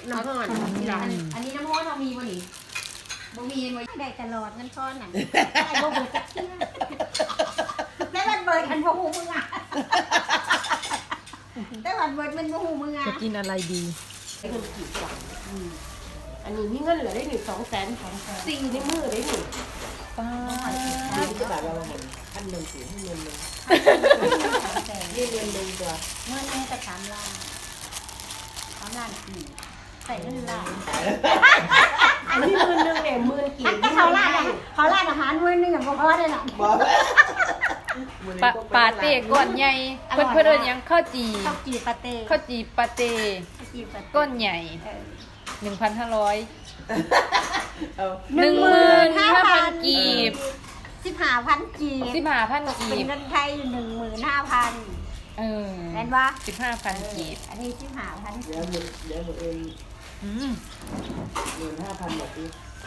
น้ำห้อนที่ร้านอันนี้น้ำห้อนเรามีวันนี้บ่มีไว้ได้ตลอดเงินทอนน่ะได้บ่เบิดจักเที่ยได้วันเบิดกันบ่ฮู้มึงอ่ะได้วันเบิดมันบ่ฮู้มึงอ่ะจะกินอะไรดีไอ้คนกี่กว่าอันนี้มีเงินเหลือได้1-200,000สิ่งในมือได้หนึ่งป้าจะแบบเราเหมือนพันหนึ่งสี่ให้เงินหนึ่งนี่เงินหนึ่งตัวเงินแม่ก็3 ล้าน3 ล้านใส่เงินล้านอันนี้10,000เนี่ย10,000กี่ถ้าเขาร้านอาหารมื้อนึงอ่ะบ่พอได้น่ะปาเต้ก้อนใหญ่เพื่อนเอิ้นหยังข้าวจีข้าวจีปาเต้ข้าวจีปาเต้ข้าวจีปาเต้ก้อนใหญ่ 1,500 15,000 กีบ 15,000 กีบ 15,000 กีเป็นบเงินไทย 15,000 เออแม่นบ่ 15,000 กีบอันนี้15,000 เดี๋ยวหมดเองอืม 15,000แบบนี้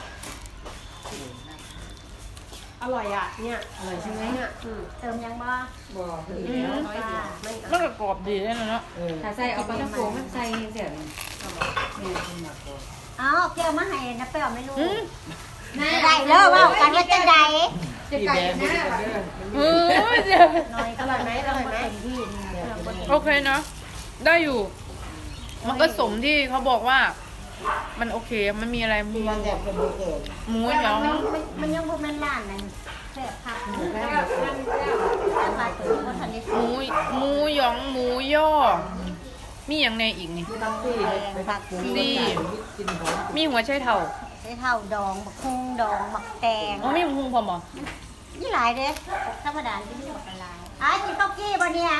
อร่อยอ่ะเนี่ยอร่อยใช่ไหมเนี่ยเติมยังบ่บอกเลยแล้วน้อยจ้าไม่แล้วก็กรอบดีด้วยนะเนาะถ้าใส่เอาปลาโขงใส่เสียนี่ขึ้นมาก่อนเอาแก้วมาให้นะเปรี้ยวไม่รู้อืมได้เด้อว่ากันว่าจะได้พี่แบงค์พี่กันเด้อเออเดี๋ยวน้อยก็อร่อยไหมที่นี่โอเคเนาะได้อยู่ มันก็สมที่เขาบอกว่า มันโอเค มันมีอะไรหมูวันแรกเป็นเบอร์เกิดหมูหยองมันยังบ่แม่นร้านนั้นแซ่บคักหมูแล้วมาถึงบ่ทันได้หมูหยองหมูย่อ มีอย่างในอีกนี่ตักซี่ไปพักกินหอมมีหัวไชเท่าใช้เท่าดองบักคุ้งดองบักแตงอ๋อมีหมูพร้อมเหรอนี่หลายเด้ธรรมดาที่นี่บักหลายกินข้าวกี้บ่เนี่ย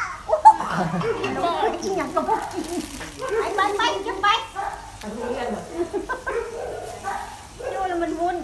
กินหยังก็บ่กินไปกินไปอันนี้กันเหรอดูแล้วมันวุ่น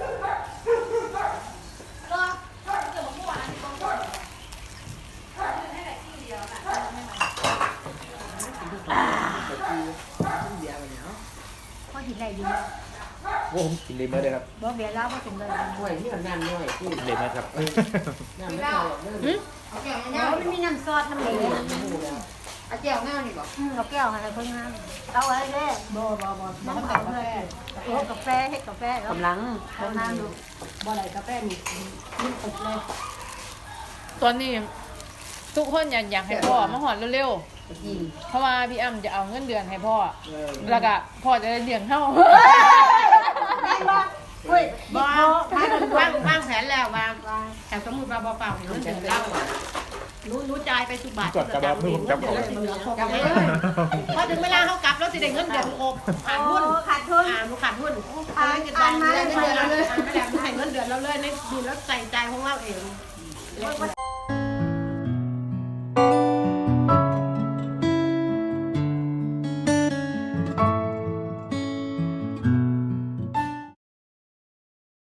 พอกินได้อยู่โอ้ผมกินเลยเมื่อเลยครับบ่เบียร์แล้วบ่ถึงเลยห่วยที่มันน้ำน้อยที่กินเลยเมื่อครับน้ำไม่พอเริ่มแล้วมันมีน้ำซอสน้ำเหลวเอาแก้วหน้านี่บอกเราแก้วอะไรเพิ่งน้ำเอาไว้เด้บ่น้ำกาแฟกาแฟให้กาแฟแล้วกำลังน้ำดูบ่อะไรกาแฟนี่นี่ตกเลยตอนนี้ ทุกคนอยากให้พ่อมาหอดเร็วๆ เพราะว่าพี่อ้ำจะเอาเงินเดือนให้พ่อ แล้วก็พ่อจะได้เลี้ยงเฮาแม่บ่เฮ้ยบ่วางแผนแล้ววางแต่สมมุติว่าบ่เปล่าเงินเดือนเรารู้จ่ายไปทุกบาทจดกระบอกมือผมจับของกลับไปเลยพอถึงเวลาเขากลับแล้วสิได้เงินเดือนครบขาดหุ้นขาดทุนลูกขาดหุ้นอ่านมาเงินเดือนเราเลยให้เงินเดือนเราเลยในดีแล้วใส่ใจของเราเอง